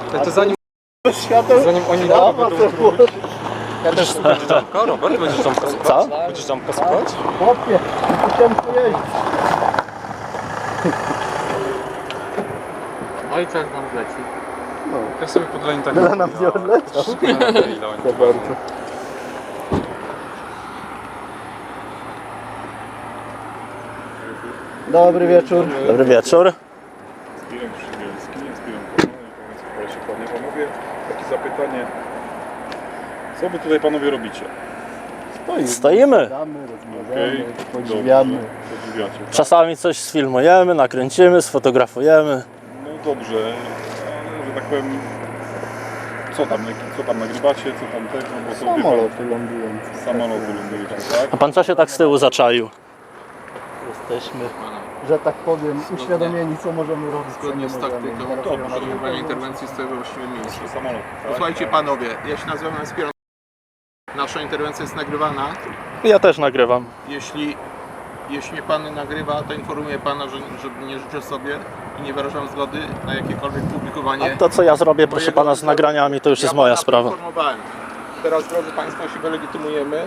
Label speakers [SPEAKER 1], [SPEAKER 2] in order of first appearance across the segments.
[SPEAKER 1] To zanim oni
[SPEAKER 2] Ja też
[SPEAKER 1] Robert, będziesz tam kaskować?
[SPEAKER 2] Co?
[SPEAKER 1] Będziesz tam kaskować?
[SPEAKER 2] Chłopie, chciałem tu jeździć.
[SPEAKER 3] Ojciec nam leci.
[SPEAKER 1] Ja sobie podleń tak.
[SPEAKER 2] Tyle nam nie odleciał. To bardzo. Dobry wieczór.
[SPEAKER 4] Dobry wieczór.
[SPEAKER 5] Zbirem Przybielski, Zbirem Panie, panowie, takie zapytanie. Co wy tutaj panowie robicie?
[SPEAKER 4] Stoimy.
[SPEAKER 2] Gadamy, rozmawiamy,
[SPEAKER 5] Okej,
[SPEAKER 2] podziwiamy.
[SPEAKER 5] dobrze, podziwiacie.
[SPEAKER 4] Czasami coś sfilmujemy, nakręcimy, sfotografujemy.
[SPEAKER 5] No dobrze, ale że tak powiem, co tam nagrywacie, co tam tego, bo to wie
[SPEAKER 2] Samoloty lądujące.
[SPEAKER 5] pan, samoloty lądujecie, tak?
[SPEAKER 4] A pan co się tak z tyłu zaczaił?
[SPEAKER 2] Jesteśmy, że tak powiem, uświadomieni, co możemy robić. co
[SPEAKER 3] Zgodnie
[SPEAKER 2] nie
[SPEAKER 3] z
[SPEAKER 2] możemy.
[SPEAKER 3] taktyką poszukiwania interwencji z tego właściwym miejscu.
[SPEAKER 5] Samolot, tak?
[SPEAKER 3] Posłuchajcie panowie, ja się nazywam Spiron. Nasza interwencja jest nagrywana.
[SPEAKER 4] Ja też nagrywam.
[SPEAKER 3] Jeśli pan nagrywa, to informuję pana, że nie życzę sobie i nie wyrażam zgody na jakiekolwiek publikowanie.
[SPEAKER 4] A to co ja zrobię, proszę pana, z nagraniami, to już jest moja
[SPEAKER 3] pana
[SPEAKER 4] sprawa.
[SPEAKER 3] poinformowałem. Teraz, drodzy państwo, się wylegitymujemy.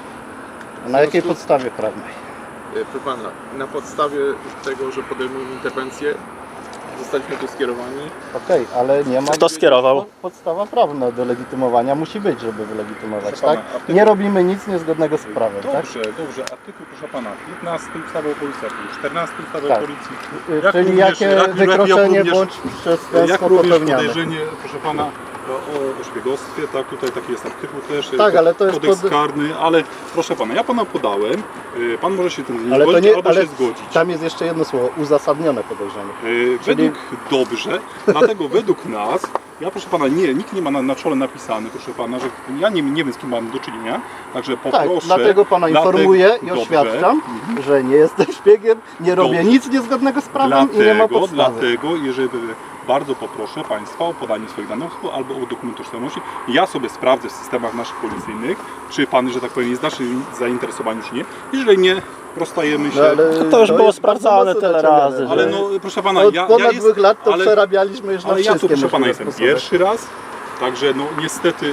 [SPEAKER 2] A na jakiej podstawie prawnej?
[SPEAKER 3] Proszę pana, na podstawie tego, że podejmujemy interwencję, zostaliśmy tu skierowani.
[SPEAKER 2] Okej, ale nie ma...
[SPEAKER 4] Kto skierował?
[SPEAKER 2] Podstawa prawna do legitymowania musi być, żeby wylegitymować,
[SPEAKER 5] Proszę
[SPEAKER 2] tak?
[SPEAKER 5] pana, a ty-
[SPEAKER 2] Nie robimy nic niezgodnego z prawem, tak?
[SPEAKER 5] Dobrze, artykuł proszę pana, 15 ustawy o policji, 14 ustawy
[SPEAKER 2] Tak.
[SPEAKER 5] o policji.
[SPEAKER 2] Czyli
[SPEAKER 5] również-
[SPEAKER 2] jakie wykroczenie bądź
[SPEAKER 5] jak
[SPEAKER 2] przestępstwo
[SPEAKER 5] również
[SPEAKER 2] popełniane.
[SPEAKER 5] podejrzenie, proszę pana, o szpiegostwie, tak, tutaj taki jest artykuł też,
[SPEAKER 2] Tak, ale to jest
[SPEAKER 5] kodeks karny, ale proszę pana, ja pana podałem, pan może się tym nie
[SPEAKER 2] Ale to
[SPEAKER 5] zgodzić,
[SPEAKER 2] nie,
[SPEAKER 5] albo
[SPEAKER 2] ale
[SPEAKER 5] się zgodzić.
[SPEAKER 2] tam jest jeszcze jedno słowo, uzasadnione podejrzenie.
[SPEAKER 5] Według dobrze, dlatego według nas, ja proszę pana, nikt nie ma na czole napisane, proszę pana, że ja nie wiem z kim mam do czynienia, także poproszę.
[SPEAKER 2] Tak, dlatego pana informuję i oświadczam, że nie jestem szpiegiem, nie robię
[SPEAKER 5] Dobrze.
[SPEAKER 2] nic niezgodnego z prawem i nie ma podstawy.
[SPEAKER 5] Dlatego, jeżeli bardzo poproszę Państwa o podanie swoich danych albo o dokument tożsamości. Ja sobie sprawdzę w systemach naszych policyjnych, czy Pan, że tak powiem, jest naszym zainteresowany, czy nie. Jeżeli nie, rozstajemy się.
[SPEAKER 4] To już było
[SPEAKER 2] jest
[SPEAKER 4] sprawdzane
[SPEAKER 2] bardzo
[SPEAKER 4] tyle
[SPEAKER 2] mocno
[SPEAKER 4] razy,
[SPEAKER 2] dociągane.
[SPEAKER 5] Ale no, proszę Pana,
[SPEAKER 2] Od
[SPEAKER 5] ja
[SPEAKER 2] ponad 2 lat to
[SPEAKER 5] ale,
[SPEAKER 2] przerabialiśmy już na
[SPEAKER 5] ale ja tu,
[SPEAKER 2] wszystkie
[SPEAKER 5] proszę Pana,
[SPEAKER 2] możliwe
[SPEAKER 5] jestem
[SPEAKER 2] sposoby.
[SPEAKER 5] pierwszy raz. Także no niestety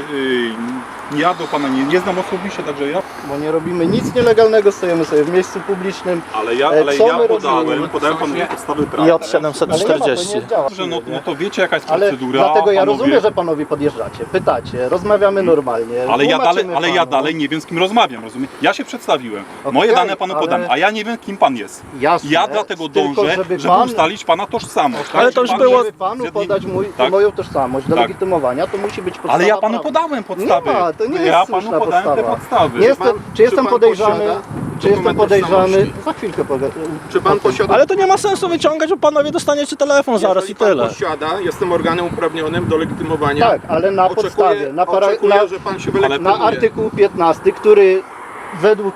[SPEAKER 5] ja do Pana nie znam osobiście, także ja...
[SPEAKER 2] Bo nie robimy nic nielegalnego, stoimy sobie w miejscu publicznym.
[SPEAKER 5] Ale ja
[SPEAKER 2] Co my
[SPEAKER 5] podałem
[SPEAKER 2] robimy?
[SPEAKER 5] Panu podstawy prawne.
[SPEAKER 4] I od
[SPEAKER 2] Ale
[SPEAKER 4] 740.
[SPEAKER 2] nie ma, to nie działa.
[SPEAKER 5] Dobrze, no to wiecie jaka jest
[SPEAKER 2] Ale
[SPEAKER 5] procedura.
[SPEAKER 2] dlatego ja
[SPEAKER 5] panowie.
[SPEAKER 2] rozumiem, że panowie podjeżdżacie, pytacie, rozmawiamy normalnie.
[SPEAKER 5] Ale ja
[SPEAKER 2] tłumaczymy
[SPEAKER 5] dalej nie wiem, z kim rozmawiam, rozumiem? Ja się przedstawiłem.
[SPEAKER 2] Okej,
[SPEAKER 5] Moje dane panu
[SPEAKER 2] ale-
[SPEAKER 5] podam, a ja nie wiem, kim pan jest.
[SPEAKER 2] Jasne,
[SPEAKER 5] Ja dlatego
[SPEAKER 2] tylko
[SPEAKER 5] dążę,
[SPEAKER 2] żeby
[SPEAKER 5] żeby
[SPEAKER 2] pan-
[SPEAKER 5] ustalić pana tożsamość.
[SPEAKER 4] Ale
[SPEAKER 5] tak?
[SPEAKER 4] to już
[SPEAKER 5] Pan-
[SPEAKER 4] było-
[SPEAKER 2] Żeby panu
[SPEAKER 5] zjedni-
[SPEAKER 2] podać
[SPEAKER 5] tak.
[SPEAKER 2] moją tożsamość do
[SPEAKER 5] Tak.
[SPEAKER 2] legitymowania, to musi być podstawa
[SPEAKER 5] Ale ja panu
[SPEAKER 2] prawna.
[SPEAKER 5] podałem podstawy.
[SPEAKER 2] Nie ma, to nie jest
[SPEAKER 5] Ja
[SPEAKER 2] słuszna
[SPEAKER 5] panu podałem te
[SPEAKER 2] podstawa.
[SPEAKER 5] podstawy.
[SPEAKER 2] Nie jestem, czy jestem
[SPEAKER 3] pan
[SPEAKER 2] podejrzany?
[SPEAKER 3] posiada
[SPEAKER 2] Czy jestem
[SPEAKER 3] dokument
[SPEAKER 2] podejrzany?
[SPEAKER 3] tożsamości?
[SPEAKER 2] Za chwilkę
[SPEAKER 3] Czy pan posiada...
[SPEAKER 4] Ale to nie ma sensu wyciągać, bo panowie dostaniecie telefon zaraz
[SPEAKER 3] Jeżeli
[SPEAKER 4] i tyle.
[SPEAKER 3] Pan posiada, jestem organem uprawnionym do legitymowania.
[SPEAKER 2] Tak, ale na podstawie,
[SPEAKER 3] Oczekuję, że pan się wylegitymuje.
[SPEAKER 2] na artykuł 15, który według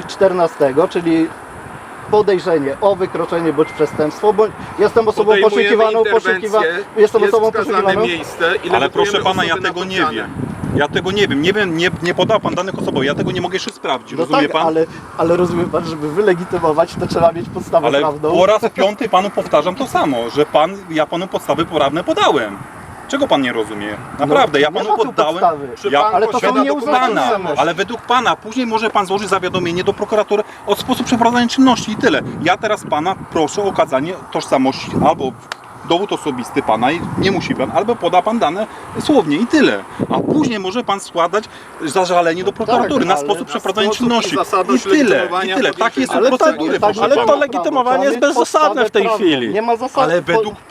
[SPEAKER 2] 14, czyli podejrzenie o wykroczenie bądź przestępstwo, bądź jestem osobą
[SPEAKER 3] Podejmujemy
[SPEAKER 2] poszukiwaną,
[SPEAKER 3] interwencję,
[SPEAKER 2] jestem
[SPEAKER 3] jest
[SPEAKER 2] osobą
[SPEAKER 3] wskazane
[SPEAKER 2] poszukiwaną.
[SPEAKER 3] miejsce i
[SPEAKER 5] Ale
[SPEAKER 3] legitymujemy
[SPEAKER 5] proszę pana, ja
[SPEAKER 3] osoby
[SPEAKER 5] tego nie
[SPEAKER 3] napotkane.
[SPEAKER 5] wiem. Ja tego nie wiem. Nie podał pan danych osobowych. Ja tego nie mogę jeszcze sprawdzić.
[SPEAKER 2] No
[SPEAKER 5] Rozumie
[SPEAKER 2] tak,
[SPEAKER 5] pan?
[SPEAKER 2] ale rozumie pan, żeby wylegitymować, to trzeba mieć podstawę
[SPEAKER 5] Ale
[SPEAKER 2] prawną.
[SPEAKER 5] po raz 5 panu powtarzam to samo, że ja panu podstawy prawne podałem. Czego pan nie rozumie? Naprawdę, ja
[SPEAKER 2] nie
[SPEAKER 5] panu
[SPEAKER 2] ma tu
[SPEAKER 5] poddałem.
[SPEAKER 2] podstawy.
[SPEAKER 3] Czy
[SPEAKER 5] Ja,
[SPEAKER 3] pan
[SPEAKER 2] Ale to są
[SPEAKER 3] posiada
[SPEAKER 2] nieuzasadnione.
[SPEAKER 5] pana, ale według pana później może pan złożyć zawiadomienie do prokuratury o sposób przeprowadzania czynności i tyle. Ja teraz pana proszę o okazanie tożsamości albo dowód osobisty pana i nie musi pan, albo poda pan dane słownie i tyle. A później może pan składać zażalenie do prokuratury na
[SPEAKER 2] ale
[SPEAKER 5] sposób
[SPEAKER 2] na
[SPEAKER 5] przeprowadzenia
[SPEAKER 3] sposób i
[SPEAKER 5] czynności.
[SPEAKER 3] zasadność
[SPEAKER 5] I tyle,
[SPEAKER 3] legitymowania
[SPEAKER 5] i tyle. Takie
[SPEAKER 3] podjęcia
[SPEAKER 5] są
[SPEAKER 2] Ale
[SPEAKER 5] procedury,
[SPEAKER 2] tak,
[SPEAKER 5] proszę
[SPEAKER 4] ale to
[SPEAKER 5] pana.
[SPEAKER 4] legitymowanie
[SPEAKER 2] Trzeba
[SPEAKER 4] jest
[SPEAKER 2] mieć
[SPEAKER 4] bezzasadne
[SPEAKER 2] podstawę
[SPEAKER 4] w tej
[SPEAKER 2] prawną.
[SPEAKER 4] chwili.
[SPEAKER 2] Nie ma zasad.
[SPEAKER 5] Ale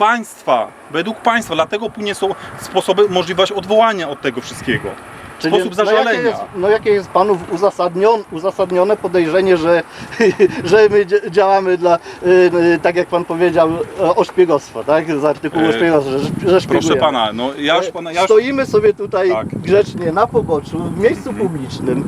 [SPEAKER 5] według państwa, dlatego później są sposoby, możliwość odwołania od tego wszystkiego. Sposób zażalenia.
[SPEAKER 2] Jakie jest panów uzasadnione podejrzenie, że, że my działamy dla, tak jak pan powiedział, o szpiegostwo, tak? Z artykułu szpiegostwa, że szpiegujemy.
[SPEAKER 5] Proszę pana, no ja już pana...
[SPEAKER 2] Stoimy sobie tutaj
[SPEAKER 5] Tak.
[SPEAKER 2] grzecznie na poboczu, w miejscu publicznym.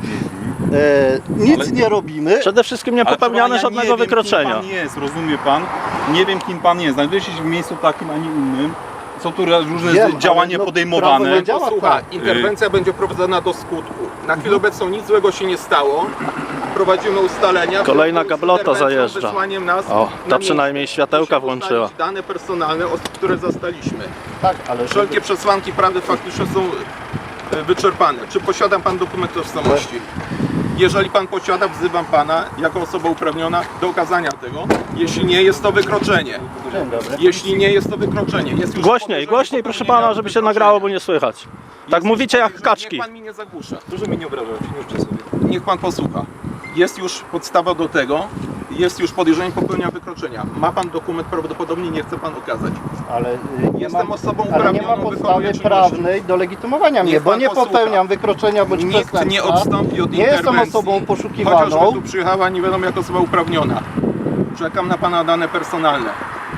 [SPEAKER 2] Nic
[SPEAKER 5] Ale-
[SPEAKER 2] nie robimy.
[SPEAKER 4] Przede wszystkim nie
[SPEAKER 5] Ale
[SPEAKER 4] popełniane
[SPEAKER 5] proszę pana, ja
[SPEAKER 4] żadnego
[SPEAKER 5] nie wiem,
[SPEAKER 4] wykroczenia.
[SPEAKER 5] Kim pan jest, rozumie pan? Nie wiem, kim pan jest. Znajduje się w miejscu takim, a nie innym. Są tu różne
[SPEAKER 2] Wiem,
[SPEAKER 5] działania
[SPEAKER 2] ale no,
[SPEAKER 5] podejmowane.
[SPEAKER 2] prawo nie działa
[SPEAKER 3] Posłuchaj,
[SPEAKER 2] tak.
[SPEAKER 3] interwencja będzie prowadzona do skutku. Na chwilę obecną nic złego się nie stało. prowadzimy ustalenia.
[SPEAKER 4] Kolejna
[SPEAKER 3] w związku z
[SPEAKER 4] gablota
[SPEAKER 3] interwencją,
[SPEAKER 4] zajeżdża.
[SPEAKER 3] wysłaniem nas
[SPEAKER 4] O,
[SPEAKER 3] na
[SPEAKER 4] ta przynajmniej
[SPEAKER 3] miejsce.
[SPEAKER 4] światełka
[SPEAKER 3] Musimy
[SPEAKER 4] włączyła.
[SPEAKER 3] ustalić dane personalne osób, które zastaliśmy.
[SPEAKER 2] Tak, ale
[SPEAKER 3] Wszelkie przesłanki prawdy faktyczne są wyczerpane. Czy posiada pan dokument tożsamości? Jeżeli pan posiada, wzywam pana jako osoba uprawniona do okazania tego. Jeśli nie, jest to wykroczenie.
[SPEAKER 2] Dzień dobry.
[SPEAKER 3] Jeśli nie, jest to wykroczenie. Jest już
[SPEAKER 4] Głośniej,
[SPEAKER 3] podejrzenie
[SPEAKER 4] głośniej proszę
[SPEAKER 3] popełnienia
[SPEAKER 4] pana, żeby się
[SPEAKER 3] wykroczenia.
[SPEAKER 4] nagrało, bo nie słychać. Tak
[SPEAKER 3] Jest
[SPEAKER 4] mówicie
[SPEAKER 3] już
[SPEAKER 4] jak
[SPEAKER 3] podejrzenie.
[SPEAKER 4] kaczki.
[SPEAKER 3] Niech pan mi nie zagłusza.
[SPEAKER 1] Proszę mnie nie obrażać, nie życzę sobie.
[SPEAKER 3] Niech pan posłucha. Jest już podstawa do tego. Jest już podejrzenie popełnienia wykroczenia. Ma pan dokument, prawdopodobnie nie chce pan okazać.
[SPEAKER 2] Ale nie
[SPEAKER 3] Jestem
[SPEAKER 2] ma,
[SPEAKER 3] osobą
[SPEAKER 2] ale nie ma
[SPEAKER 3] uprawnioną,
[SPEAKER 2] podstawy
[SPEAKER 3] wykonuję czynności.
[SPEAKER 2] prawnej do legitymowania mnie,
[SPEAKER 3] Niech
[SPEAKER 2] bo
[SPEAKER 3] pan
[SPEAKER 2] nie
[SPEAKER 3] posłucha.
[SPEAKER 2] popełniam wykroczenia bądź
[SPEAKER 3] Nikt
[SPEAKER 2] przestępstwa.
[SPEAKER 3] nie odstąpi od
[SPEAKER 2] Nie jestem
[SPEAKER 3] interwencji.
[SPEAKER 2] osobą
[SPEAKER 3] Chociażby
[SPEAKER 2] poszukiwaną.
[SPEAKER 3] tu przyjechała, nie wiadomo jak osoba uprawniona. Czekam na pana dane personalne.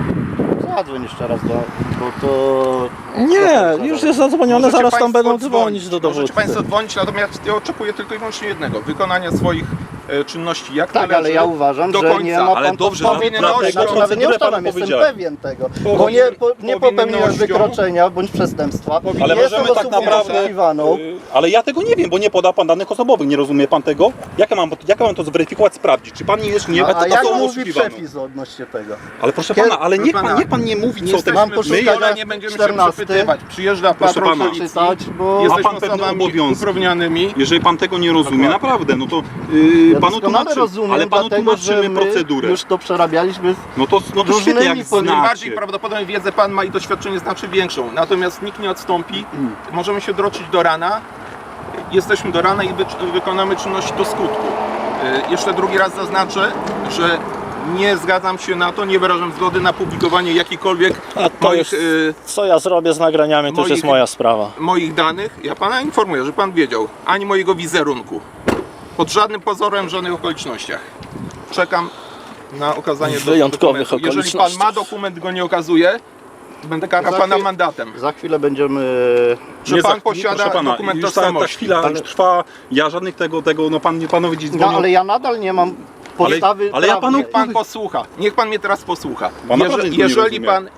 [SPEAKER 2] Zadzwoń jeszcze raz bo to...
[SPEAKER 4] Nie, już jest zadzwonione,
[SPEAKER 3] Możecie
[SPEAKER 4] zaraz tam
[SPEAKER 3] państwo
[SPEAKER 4] będą dzwonić do
[SPEAKER 3] Możecie
[SPEAKER 4] dowódcy.
[SPEAKER 3] państwo dzwonić, natomiast ja oczekuję tylko i wyłącznie jednego. Wykonania swoich czynności jak
[SPEAKER 2] Tak,
[SPEAKER 3] należy,
[SPEAKER 2] ale ja uważam,
[SPEAKER 3] do
[SPEAKER 2] że
[SPEAKER 3] końca.
[SPEAKER 2] nie ma pan
[SPEAKER 5] Ale dobrze,
[SPEAKER 2] podstawy
[SPEAKER 3] na-
[SPEAKER 2] prawnej.
[SPEAKER 3] na
[SPEAKER 2] Znaczy, nawet nie
[SPEAKER 5] procedurę
[SPEAKER 2] ustalam,
[SPEAKER 5] panu
[SPEAKER 2] jestem
[SPEAKER 5] powiedziałem.
[SPEAKER 2] pewien tego.
[SPEAKER 3] Powinien-
[SPEAKER 2] Bo nie popełniłem
[SPEAKER 3] powinnością-
[SPEAKER 2] wykroczenia bądź przestępstwa.
[SPEAKER 5] Ale
[SPEAKER 2] Nie jestem
[SPEAKER 5] możemy tak
[SPEAKER 2] osobą
[SPEAKER 5] naprawdę.
[SPEAKER 2] poszukiwaną.
[SPEAKER 5] Ale ja tego nie wiem, bo nie poda pan danych osobowych. Nie rozumie pan tego? Jak ja mam to zweryfikować, sprawdzić? Czy pan nie jest nie
[SPEAKER 2] A jak
[SPEAKER 5] osobą
[SPEAKER 2] mówi
[SPEAKER 5] oszukiwaną?
[SPEAKER 2] przepis odnośnie tego?
[SPEAKER 5] Ale proszę
[SPEAKER 2] Kiedy-
[SPEAKER 5] pana, ale
[SPEAKER 3] Proszę pana,
[SPEAKER 5] niech pan nie mówi,
[SPEAKER 3] Nie
[SPEAKER 5] co te
[SPEAKER 2] mam
[SPEAKER 3] jesteśmy
[SPEAKER 2] poszukać
[SPEAKER 3] przyjechali,
[SPEAKER 2] na
[SPEAKER 3] nie będziemy
[SPEAKER 2] 14.
[SPEAKER 3] się przepytywać. Przyjeżdża
[SPEAKER 5] Proszę
[SPEAKER 3] patrol
[SPEAKER 5] pana.
[SPEAKER 3] policji.
[SPEAKER 2] Czytać, bo
[SPEAKER 3] Jesteśmy
[SPEAKER 5] Ma pan pewne
[SPEAKER 3] osobami
[SPEAKER 5] obowiązki.
[SPEAKER 3] uprawnionymi.
[SPEAKER 5] Jeżeli pan tego nie rozumie,
[SPEAKER 3] Dokładnie.
[SPEAKER 5] naprawdę, no to
[SPEAKER 2] ja
[SPEAKER 5] panu
[SPEAKER 2] doskonale
[SPEAKER 5] tłumaczymy,
[SPEAKER 2] rozumiem,
[SPEAKER 5] ale panu
[SPEAKER 2] dlatego, że
[SPEAKER 5] tłumaczymy
[SPEAKER 2] my
[SPEAKER 5] procedurę.
[SPEAKER 2] już to przerabialiśmy.
[SPEAKER 5] No to świetnie,
[SPEAKER 2] różnymi
[SPEAKER 5] jak
[SPEAKER 3] Tym bardziej
[SPEAKER 5] znacie.
[SPEAKER 3] prawdopodobnie wiedzę pan ma i doświadczenie znacznie większą. Natomiast nikt nie odstąpi. Możemy się droczyć do rana. Jesteśmy do rana i wykonamy czynności do skutku. Jeszcze drugi raz zaznaczę, że nie zgadzam się na to, nie wyrażam zgody na publikowanie jakichkolwiek
[SPEAKER 4] A to
[SPEAKER 3] moich,
[SPEAKER 4] już, co ja zrobię z nagraniami, to już jest moja sprawa.
[SPEAKER 3] moich danych. Ja pana informuję, że pan wiedział, ani mojego wizerunku. Pod żadnym pozorem, w żadnych okolicznościach. Czekam na okazanie
[SPEAKER 4] W wyjątkowych
[SPEAKER 3] dokumentu. Jeżeli pan
[SPEAKER 4] okolicznościach.
[SPEAKER 3] ma dokument, go nie okazuje, będę karał pana mandatem.
[SPEAKER 2] Za chwilę będziemy...
[SPEAKER 3] Czy
[SPEAKER 5] Nie
[SPEAKER 3] pan
[SPEAKER 5] za-
[SPEAKER 3] posiada
[SPEAKER 5] proszę pana,
[SPEAKER 3] dokument
[SPEAKER 5] już ta
[SPEAKER 3] tożsamości?
[SPEAKER 5] chwila już trwa, ja żadnych tego, no panowie dziś
[SPEAKER 2] No
[SPEAKER 5] dzwonią.
[SPEAKER 2] ale ja nadal nie mam podstawy
[SPEAKER 5] ale ja
[SPEAKER 2] prawnej.
[SPEAKER 5] panu-
[SPEAKER 3] Niech pan posłucha. Niech pan mnie teraz posłucha.
[SPEAKER 5] Pan naprawdę nie rozumie.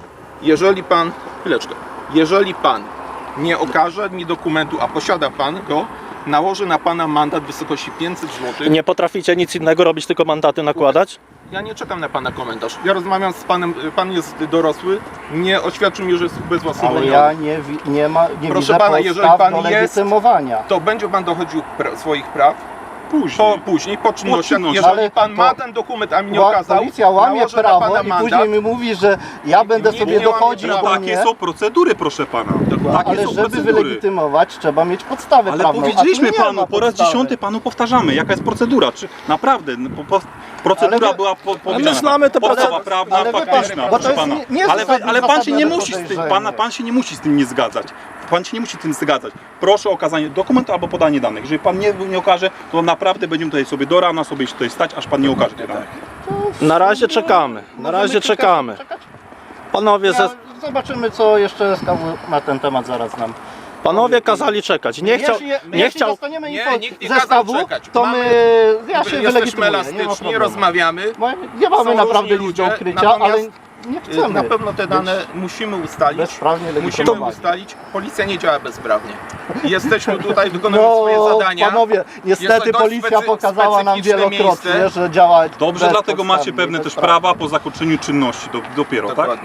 [SPEAKER 3] Jeżeli pan nie okaże mi dokumentu, a posiada pan go, nałożę na pana mandat w wysokości 500 zł.
[SPEAKER 4] Nie potraficie nic innego robić, tylko mandaty nakładać?
[SPEAKER 3] Ja nie czekam na pana komentarz. Ja rozmawiam z panem, pan jest dorosły, nie oświadczył mi, że jest
[SPEAKER 2] Ale
[SPEAKER 3] ubezwłasnowolniony.
[SPEAKER 2] ja nie
[SPEAKER 3] Proszę
[SPEAKER 2] widzę
[SPEAKER 3] pana, jeżeli
[SPEAKER 2] podstaw
[SPEAKER 3] pan
[SPEAKER 2] do
[SPEAKER 3] jest-
[SPEAKER 2] legitymowania.
[SPEAKER 3] To będzie pan dochodził swoich praw
[SPEAKER 5] później.
[SPEAKER 3] po czynnościach.
[SPEAKER 5] czynnościach.
[SPEAKER 3] Jeżeli
[SPEAKER 2] Ale
[SPEAKER 3] pan ma
[SPEAKER 2] to-
[SPEAKER 3] ten dokument, a mi nie okazał,
[SPEAKER 2] Policja łamie
[SPEAKER 3] nałożę na
[SPEAKER 2] prawo
[SPEAKER 3] pana
[SPEAKER 2] i
[SPEAKER 3] mandat.
[SPEAKER 2] później mi mówi, że ja będę
[SPEAKER 3] Nikt
[SPEAKER 2] sobie
[SPEAKER 3] nie łamie
[SPEAKER 2] dochodził
[SPEAKER 3] prawa.
[SPEAKER 2] do
[SPEAKER 5] Takie
[SPEAKER 2] mnie.
[SPEAKER 5] są procedury, proszę pana. Takie
[SPEAKER 2] Ale
[SPEAKER 5] są
[SPEAKER 2] żeby
[SPEAKER 5] procedury.
[SPEAKER 2] wylegitymować, trzeba mieć podstawę
[SPEAKER 5] Ale
[SPEAKER 2] prawną. a tu
[SPEAKER 5] powiedzieliśmy
[SPEAKER 2] nie ma
[SPEAKER 5] panu, po raz
[SPEAKER 2] podstawy.
[SPEAKER 5] 10 panu powtarzamy, jaka jest procedura. Czy naprawdę procedura
[SPEAKER 2] Ale wy-
[SPEAKER 5] była powiedziana.
[SPEAKER 4] my znamy te
[SPEAKER 5] Podstawa
[SPEAKER 4] procedury.
[SPEAKER 5] prawna,
[SPEAKER 2] Ale wie pan,
[SPEAKER 5] faktyczna,
[SPEAKER 2] bo
[SPEAKER 5] proszę
[SPEAKER 2] to jest
[SPEAKER 5] pana.
[SPEAKER 2] nie jest
[SPEAKER 5] Ale pan się nie
[SPEAKER 2] uzasadnione
[SPEAKER 5] musi z tym,
[SPEAKER 2] podejrzenie.
[SPEAKER 5] pan się nie musi z tym nie zgadzać. Pan się nie musi z tym zgadzać. Proszę o okazanie dokumentu albo podanie danych. Jeżeli pan nie okaże, to naprawdę będziemy tutaj sobie do rana sobie tutaj stać, aż pan nie okaże tych danych.
[SPEAKER 4] Na razie czekamy, na
[SPEAKER 2] Możemy
[SPEAKER 4] razie
[SPEAKER 2] kilka
[SPEAKER 4] czekamy.
[SPEAKER 2] czekać?
[SPEAKER 4] Panowie,
[SPEAKER 2] Ja, zobaczymy, co jeszcze SKW na ten temat zaraz nam.
[SPEAKER 4] panowie kazali czekać. Nie chciał, nie chciał.
[SPEAKER 2] dostaniemy
[SPEAKER 3] Nie,
[SPEAKER 2] info
[SPEAKER 3] nikt nie
[SPEAKER 2] ze
[SPEAKER 3] kazał
[SPEAKER 2] SKW,
[SPEAKER 3] czekać.
[SPEAKER 2] to
[SPEAKER 3] Mamy-
[SPEAKER 2] ja się
[SPEAKER 3] Jesteśmy
[SPEAKER 2] wylegitymuję, nie ma
[SPEAKER 3] elastyczni,
[SPEAKER 2] problemu.
[SPEAKER 3] rozmawiamy.
[SPEAKER 2] Nie mamy
[SPEAKER 3] Są
[SPEAKER 2] naprawdę
[SPEAKER 3] różni
[SPEAKER 2] liczby
[SPEAKER 3] ludzie,
[SPEAKER 2] ukrycia,
[SPEAKER 3] natomiast,
[SPEAKER 2] ale nie chcemy.
[SPEAKER 3] Na pewno te dane musimy ustalić.
[SPEAKER 2] bezprawnie
[SPEAKER 3] Musimy
[SPEAKER 2] legitymować.
[SPEAKER 3] ustalić. Policja nie działa bezprawnie. Jesteśmy tutaj, wykonujemy swoje
[SPEAKER 2] No,
[SPEAKER 3] zadania.
[SPEAKER 2] panowie,
[SPEAKER 3] Jest
[SPEAKER 2] niestety
[SPEAKER 3] to dość
[SPEAKER 2] policja pokazała nam
[SPEAKER 3] specyficzne
[SPEAKER 2] wielokrotnie,
[SPEAKER 3] miejsce.
[SPEAKER 2] że działa
[SPEAKER 5] Dobrze, dlatego macie
[SPEAKER 2] bezpodstawnie,
[SPEAKER 5] pewne też
[SPEAKER 2] bezprawnie.
[SPEAKER 5] prawa po zakończeniu czynności dopiero, tak?
[SPEAKER 3] Dokładnie.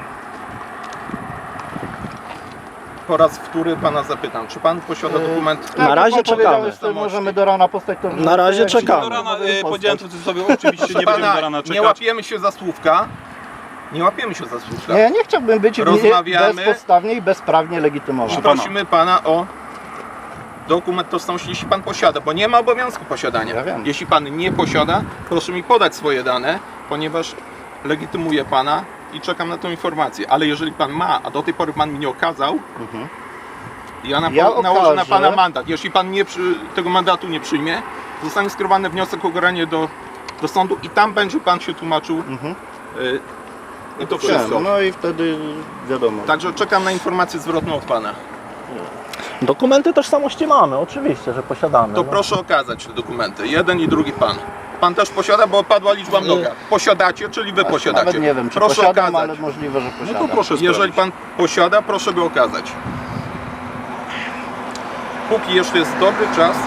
[SPEAKER 3] Po raz wtóry pana zapytam, czy pan posiada dokument?
[SPEAKER 2] Tak,
[SPEAKER 4] Na
[SPEAKER 2] jak
[SPEAKER 4] razie
[SPEAKER 2] pan powiedział,
[SPEAKER 4] czekamy.
[SPEAKER 2] że możemy do rana postać to.
[SPEAKER 4] Na razie
[SPEAKER 2] jak się
[SPEAKER 4] czekamy.
[SPEAKER 5] Do rana,
[SPEAKER 2] możemy postać.
[SPEAKER 5] powiedziałem to sobie, oczywiście nie będziemy do rana
[SPEAKER 3] nie
[SPEAKER 5] czekać.
[SPEAKER 3] łapiemy się za słówka. Nie łapiemy się za słówka.
[SPEAKER 2] Nie, ja nie chciałbym być
[SPEAKER 3] Rozmawiamy.
[SPEAKER 2] bezpodstawnie i bezprawnie legitymowany.
[SPEAKER 5] Pana.
[SPEAKER 3] Prosimy pana o dokument tożsamości, jeśli pan posiada, bo nie ma obowiązku posiadania.
[SPEAKER 2] Ja wiem.
[SPEAKER 3] Jeśli pan nie posiada, proszę mi podać swoje dane, ponieważ legitymuję pana i czekam na tą informację. Ale jeżeli pan ma, a do tej pory pan mi nie okazał, ja nałożę na
[SPEAKER 2] okażę.
[SPEAKER 3] pana mandat. Jeśli pan tego mandatu nie przyjmie, zostanie skierowany wniosek o ukaranie do sądu i tam będzie pan się tłumaczył i to wszystko.
[SPEAKER 2] No i wtedy wiadomo.
[SPEAKER 3] Także czekam na informację zwrotną od pana.
[SPEAKER 4] Dokumenty tożsamości mamy, oczywiście, że posiadamy.
[SPEAKER 3] To
[SPEAKER 4] no.
[SPEAKER 3] proszę okazać te dokumenty. Jeden i drugi pan. Pan też posiada, bo padła liczba mnoga. Posiadacie, czyli wy posiadacie.
[SPEAKER 2] Nawet nie wiem, czy
[SPEAKER 3] proszę
[SPEAKER 2] posiadam,
[SPEAKER 3] okazać.
[SPEAKER 2] ale możliwe, że
[SPEAKER 5] No
[SPEAKER 2] posiadam.
[SPEAKER 5] to proszę
[SPEAKER 3] Jeżeli
[SPEAKER 5] sprawdzić.
[SPEAKER 3] pan posiada, proszę go okazać. Póki jeszcze jest dobry czas,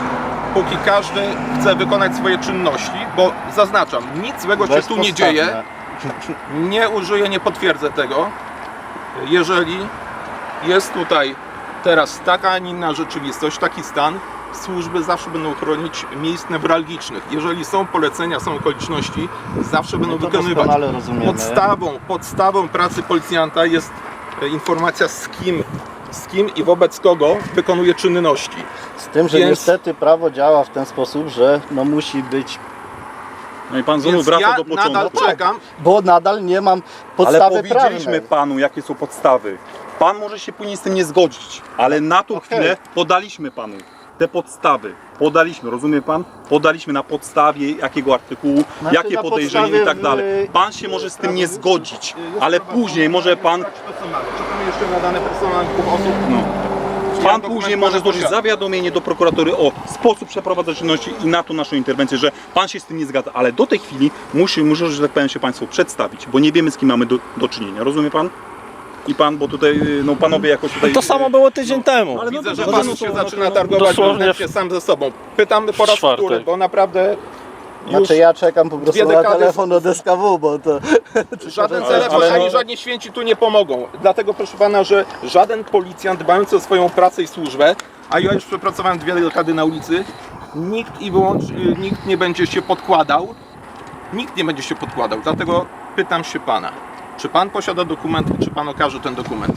[SPEAKER 3] póki każdy chce wykonać swoje czynności, bo zaznaczam, nic złego się tu nie dzieje, nie użyję, nie potwierdzę tego. Jeżeli jest tutaj teraz taka, a nie inna rzeczywistość, taki stan, służby zawsze będą chronić miejsc newralgicznych. Jeżeli są polecenia, są okoliczności, zawsze będą
[SPEAKER 2] to
[SPEAKER 3] wykonywać.
[SPEAKER 2] doskonale rozumiemy.
[SPEAKER 3] Podstawą pracy policjanta jest informacja z kim i wobec kogo wykonuje czynności.
[SPEAKER 2] Z tym, że
[SPEAKER 3] Więc-
[SPEAKER 2] niestety prawo działa w ten sposób, że no musi być,
[SPEAKER 5] No i pan znowu
[SPEAKER 3] Więc
[SPEAKER 5] wraca
[SPEAKER 3] ja
[SPEAKER 5] do początku.
[SPEAKER 3] nadal czekam.
[SPEAKER 2] bo nadal nie mam
[SPEAKER 5] Ale
[SPEAKER 2] podstawy
[SPEAKER 5] powiedzieliśmy
[SPEAKER 2] prawnej.
[SPEAKER 5] panu, jakie są podstawy. Pan może się później z tym nie zgodzić, ale na tą
[SPEAKER 2] Okej.
[SPEAKER 5] chwilę podaliśmy panu te podstawy. Podaliśmy, rozumie pan? Podaliśmy na podstawie jakiego artykułu,
[SPEAKER 2] Znaczy,
[SPEAKER 5] jakie
[SPEAKER 2] na
[SPEAKER 5] podejrzenie i
[SPEAKER 2] podstawie
[SPEAKER 5] tak dalej. Pan się może z tym nie zgodzić, ale później może pan,
[SPEAKER 3] Czekamy jeszcze na dane personalne dwóch osób.
[SPEAKER 5] no, pan
[SPEAKER 3] dokument
[SPEAKER 5] później
[SPEAKER 3] pana
[SPEAKER 5] może złożyć
[SPEAKER 3] posiada.
[SPEAKER 5] zawiadomienie do prokuratury o sposób przeprowadzenia czynności i na to naszą interwencję, że pan się z tym nie zgadza, ale do tej chwili muszą, że tak powiem, się państwo przedstawić, bo nie wiemy, z kim mamy do czynienia, rozumie pan? I pan, bo tutaj, no panowie jakoś tutaj...
[SPEAKER 4] To samo było tydzień temu.
[SPEAKER 5] Ale no
[SPEAKER 3] Widzę, że
[SPEAKER 5] dobrze,
[SPEAKER 3] pan
[SPEAKER 5] no to-
[SPEAKER 3] się
[SPEAKER 5] no to-
[SPEAKER 3] zaczyna targować
[SPEAKER 4] dosłownie
[SPEAKER 3] wewnętrznie sam ze sobą. Pytam po raz
[SPEAKER 4] czwartek.
[SPEAKER 3] wtóry, bo naprawdę już
[SPEAKER 2] Znaczy ja czekam po prostu
[SPEAKER 3] dwie
[SPEAKER 2] na
[SPEAKER 3] dekady-
[SPEAKER 2] telefon od SKW, bo to...
[SPEAKER 3] żaden
[SPEAKER 2] Ale-
[SPEAKER 3] telefon
[SPEAKER 5] ale
[SPEAKER 3] ani
[SPEAKER 5] no-
[SPEAKER 3] żadni święci tu nie pomogą. Dlatego proszę pana, że żaden policjant dbający o swoją pracę i służbę, a ja już przepracowałem 2 dekady na ulicy, nikt nie będzie się podkładał. Nikt nie będzie się podkładał. Dlatego pytam się pana, czy pan posiada dokument, czy pan okaże ten dokument?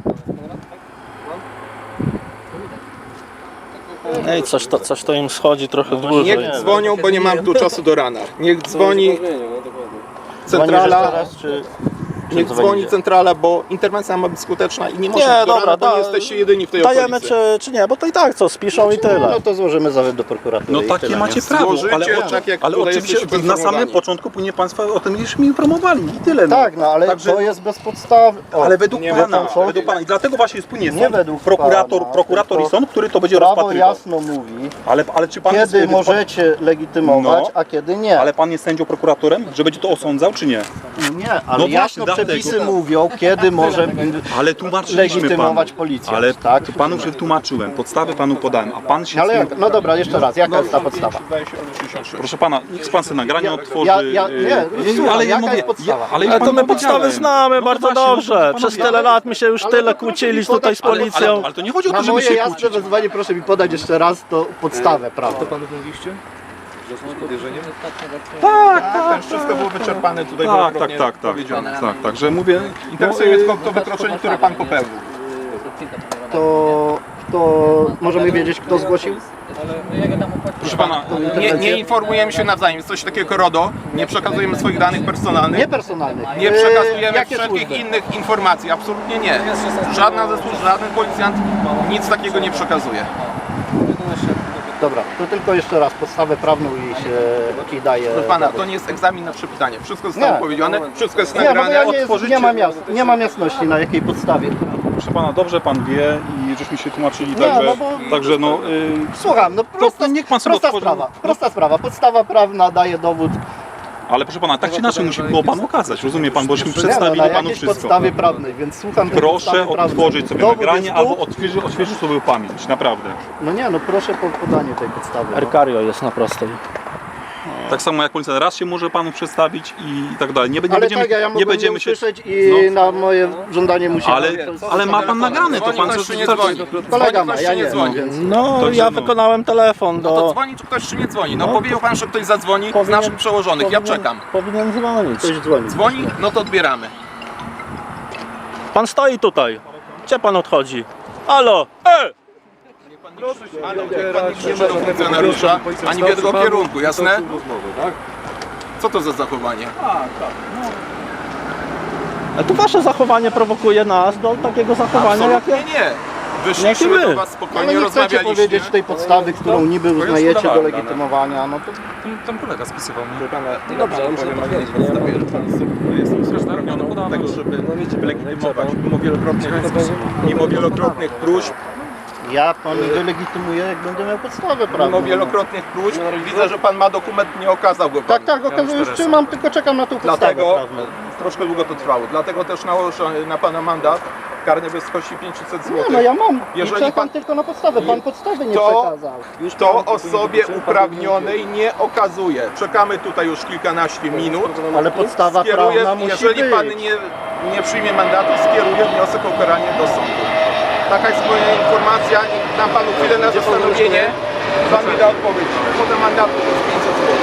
[SPEAKER 4] Ej, coś to im schodzi trochę dłużej.
[SPEAKER 3] Niech dzwonią, bo nie mam tu czasu do rana. Niech dzwoni centrala.
[SPEAKER 2] Dzwonisz jeszcze raz, czy
[SPEAKER 3] Niech dzwoni
[SPEAKER 2] dzwonicie?
[SPEAKER 3] centrala, bo interwencja ma być skuteczna i nie może
[SPEAKER 4] Nie,
[SPEAKER 3] być do
[SPEAKER 4] dobra,
[SPEAKER 3] rana, bo nie
[SPEAKER 4] da-
[SPEAKER 3] jesteście jedyni w tej
[SPEAKER 4] Dajemy
[SPEAKER 3] okolicy.
[SPEAKER 4] czy nie, bo to i tak co, spiszą i tyle.
[SPEAKER 2] No to złożymy zawiad do prokuratury
[SPEAKER 5] No
[SPEAKER 2] i
[SPEAKER 5] takie
[SPEAKER 2] tyle,
[SPEAKER 5] macie
[SPEAKER 2] nie?
[SPEAKER 5] prawo,
[SPEAKER 3] Złożycie,
[SPEAKER 5] ale,
[SPEAKER 3] tak jak
[SPEAKER 5] ale
[SPEAKER 3] tutaj
[SPEAKER 5] oczywiście
[SPEAKER 3] jesteście
[SPEAKER 5] na samym
[SPEAKER 3] poinformowani.
[SPEAKER 5] początku powinien państwo o tym już mi informowali i tyle. No.
[SPEAKER 2] Tak, no ale
[SPEAKER 5] Także-
[SPEAKER 2] to jest bez podstawy. O,
[SPEAKER 5] Ale według
[SPEAKER 3] nie
[SPEAKER 5] pana,
[SPEAKER 3] ma co.
[SPEAKER 5] według pana, i dlatego właśnie jest płynie
[SPEAKER 2] Nie
[SPEAKER 5] sąd,
[SPEAKER 2] według
[SPEAKER 5] prokurator
[SPEAKER 2] pana,
[SPEAKER 5] i
[SPEAKER 2] tylko
[SPEAKER 5] sąd, który to będzie
[SPEAKER 2] prawo
[SPEAKER 5] rozpatrywał.
[SPEAKER 2] jasno mówi,
[SPEAKER 5] Ale czy pan
[SPEAKER 2] kiedy
[SPEAKER 5] jest,
[SPEAKER 2] możecie legitymować,
[SPEAKER 5] No.
[SPEAKER 2] a kiedy nie.
[SPEAKER 5] Ale pan jest sędzią prokuratorem, że będzie to osądzał, czy nie?
[SPEAKER 2] Nie, ale
[SPEAKER 5] No właśnie,
[SPEAKER 2] jasno
[SPEAKER 5] dlatego.
[SPEAKER 2] przepisy mówią, kiedy może
[SPEAKER 5] Ale tłumaczyliśmy
[SPEAKER 2] legitymować
[SPEAKER 5] panu.
[SPEAKER 2] policjant,
[SPEAKER 5] Ale
[SPEAKER 2] tak?
[SPEAKER 5] panu przetłumaczyłem, podstawy panu podałem, a pan się
[SPEAKER 2] Ale
[SPEAKER 5] z
[SPEAKER 2] jak,
[SPEAKER 5] tym...
[SPEAKER 2] no dobra, jeszcze raz, jaka jest ta podstawa?
[SPEAKER 3] Wydaje się, że 66.
[SPEAKER 5] Proszę pana, niech pan sobie nagranie otworzy.
[SPEAKER 2] słucham, jaka jest podstawa?
[SPEAKER 5] ale już
[SPEAKER 4] Ale to
[SPEAKER 5] panu
[SPEAKER 4] my podstawy
[SPEAKER 5] powiedziałem.
[SPEAKER 4] znamy
[SPEAKER 5] No to
[SPEAKER 4] bardzo
[SPEAKER 5] właśnie, no to
[SPEAKER 4] dobrze.
[SPEAKER 5] panowie,
[SPEAKER 4] Przez tyle lat my się już
[SPEAKER 2] Ale
[SPEAKER 4] tyle
[SPEAKER 2] to proszę
[SPEAKER 4] kłócili
[SPEAKER 2] mi
[SPEAKER 4] tutaj z
[SPEAKER 2] podać-
[SPEAKER 4] policją.
[SPEAKER 5] Ale to nie chodzi o
[SPEAKER 2] Na
[SPEAKER 5] to, żeby
[SPEAKER 2] moje
[SPEAKER 5] się
[SPEAKER 2] jasne
[SPEAKER 5] kłócić.
[SPEAKER 2] wezwanie proszę mi podać jeszcze raz to podstawę prawną.
[SPEAKER 1] Panu mówiliście? Że są podejrzeniem?
[SPEAKER 3] Tak, to już wszystko było wyczerpane tutaj wielokrotnie
[SPEAKER 5] Tak,
[SPEAKER 3] powiedziane.
[SPEAKER 5] także mówię...
[SPEAKER 3] Interesuje mnie tylko to wykroczenie, które pan popełnił.
[SPEAKER 2] To możemy wiedzieć, kto zgłosił?
[SPEAKER 5] Proszę pana,
[SPEAKER 3] Nie informujemy się nawzajem, jest coś takiego RODO, nie przekazujemy swoich danych personalnych,
[SPEAKER 2] Nie personalnych.
[SPEAKER 3] nie przekazujemy
[SPEAKER 2] Jakie
[SPEAKER 3] wszelkich
[SPEAKER 2] służby?
[SPEAKER 3] innych informacji, absolutnie nie. Żadna ze służb, żaden policjant nic takiego nie przekazuje.
[SPEAKER 2] Dobra, to tylko jeszcze raz podstawę prawną i daje.
[SPEAKER 3] Proszę pana, to nie jest egzamin na przepytanie. Wszystko zostało
[SPEAKER 2] Nie.
[SPEAKER 3] powiedziane, wszystko jest
[SPEAKER 2] Nie, bo
[SPEAKER 3] nagrane.
[SPEAKER 2] ja
[SPEAKER 5] otworzycie-
[SPEAKER 2] nie mam jasności na jakiej podstawie.
[SPEAKER 5] proszę pana, dobrze pan wie i żeśmy się tłumaczyli,
[SPEAKER 2] Nie,
[SPEAKER 5] także...
[SPEAKER 2] no bo-
[SPEAKER 5] Także no...
[SPEAKER 2] Słucham, no prosta,
[SPEAKER 5] niech pan sobie
[SPEAKER 2] prosta
[SPEAKER 5] otworzy-
[SPEAKER 2] sprawa, prosta sprawa. Podstawa prawna daje dowód.
[SPEAKER 5] Ale proszę pana, tak czy inaczej musi było panu okazać, rozumie pan, bośmy
[SPEAKER 2] Nie, no,
[SPEAKER 5] przedstawili
[SPEAKER 2] na
[SPEAKER 5] panu
[SPEAKER 2] jakiejś
[SPEAKER 5] wszystko.
[SPEAKER 2] podstawie prawnej, więc słucham tej
[SPEAKER 5] Proszę
[SPEAKER 2] podstawy prawnej.
[SPEAKER 5] otworzyć sobie
[SPEAKER 2] Dowód
[SPEAKER 5] nagranie
[SPEAKER 2] jest tu?
[SPEAKER 5] albo odświeżyć sobie pamięć, naprawdę.
[SPEAKER 2] No nie, no proszę o podanie tej podstawy. No.
[SPEAKER 4] Erkario jest na prostej.
[SPEAKER 5] Tak samo jak policjant raz się może panu przedstawić i tak dalej. Nie
[SPEAKER 2] Ale
[SPEAKER 5] będziemy,
[SPEAKER 2] tak, ja
[SPEAKER 5] nie
[SPEAKER 2] mogłem
[SPEAKER 5] będziemy
[SPEAKER 2] nie
[SPEAKER 5] się...
[SPEAKER 2] usłyszeć i na moje żądanie musi...
[SPEAKER 5] Ale ma pan nagrane, to
[SPEAKER 3] Dzwoni
[SPEAKER 5] pan...
[SPEAKER 3] ktoś, czy nie dzwoni?
[SPEAKER 2] Kolega
[SPEAKER 3] Dzwoni
[SPEAKER 2] ma,
[SPEAKER 3] ktoś,
[SPEAKER 2] ja
[SPEAKER 3] czy nie
[SPEAKER 2] nie
[SPEAKER 3] dzwoni?
[SPEAKER 2] więc...
[SPEAKER 4] No,
[SPEAKER 5] Także
[SPEAKER 4] ja
[SPEAKER 5] no.
[SPEAKER 4] wykonałem telefon
[SPEAKER 3] No to
[SPEAKER 4] do...
[SPEAKER 3] dzwoni, czy ktoś, czy nie dzwoni? No
[SPEAKER 4] No,
[SPEAKER 3] powiedział pan, że ktoś zadzwoni z naszych przełożonych, ja czekam.
[SPEAKER 4] Powinien dzwonić.
[SPEAKER 2] Ktoś dzwoni.
[SPEAKER 3] Dzwoni? No to odbieramy.
[SPEAKER 4] Pan stoi tutaj. Gdzie pan odchodzi? Halo!
[SPEAKER 3] Ale niech pan nie krzyczy do funkcjonariusza, ani w jego kierunku, jasne? Co to za zachowanie?
[SPEAKER 4] Ale tu wasze zachowanie prowokuje nas do takiego zachowania, jakie...
[SPEAKER 3] Absolutnie nie. Wyszliśmy
[SPEAKER 4] Jakie
[SPEAKER 3] do
[SPEAKER 4] my?
[SPEAKER 3] was
[SPEAKER 2] Ale
[SPEAKER 3] spokojnie,
[SPEAKER 2] nie chcecie
[SPEAKER 3] rozmawialiście.
[SPEAKER 2] powiedzieć tej podstawy, którą niby uznajecie do legitymowania, no to...
[SPEAKER 1] Tam kolega spisywał mnie.
[SPEAKER 3] Dobrze, ale powiem, ale nie podstawie, że pan jest uprawniony do tego, żeby legitymować. Mimo wielokrotnych próśb,
[SPEAKER 2] Ja pan wylegitymuję, jak będę miał podstawę prawną.
[SPEAKER 3] mimo wielokrotnych próśb, widzę, że pan ma dokument, nie okazał go pan.
[SPEAKER 2] Tak, okazuję, już trzymam, tylko czekam na tą podstawę
[SPEAKER 3] Dlatego
[SPEAKER 2] prawną.
[SPEAKER 3] troszkę długo to trwało. Dlatego też nałożę na pana mandat karny w wysokości 500 zł.
[SPEAKER 2] Nie, no ja mam.
[SPEAKER 3] Jeżeli
[SPEAKER 2] Jeżeli
[SPEAKER 3] pan-
[SPEAKER 2] tylko na podstawę. Pan podstawy nie
[SPEAKER 3] To-
[SPEAKER 2] przekazał.
[SPEAKER 3] To osobie uprawnionej nie okazuje. Czekamy tutaj już kilkanaście minut.
[SPEAKER 2] Ale podstawa
[SPEAKER 3] Skieruję,
[SPEAKER 2] prawna musi
[SPEAKER 3] jeżeli
[SPEAKER 2] być.
[SPEAKER 3] pan nie przyjmie mandatu, skieruję wniosek o ukaranie do sądu. Taka jest moja informacja. Dam panu chwilę na zastanowienie. Pan mi da odpowiedź. Kwota mandatu to jest 500 zł.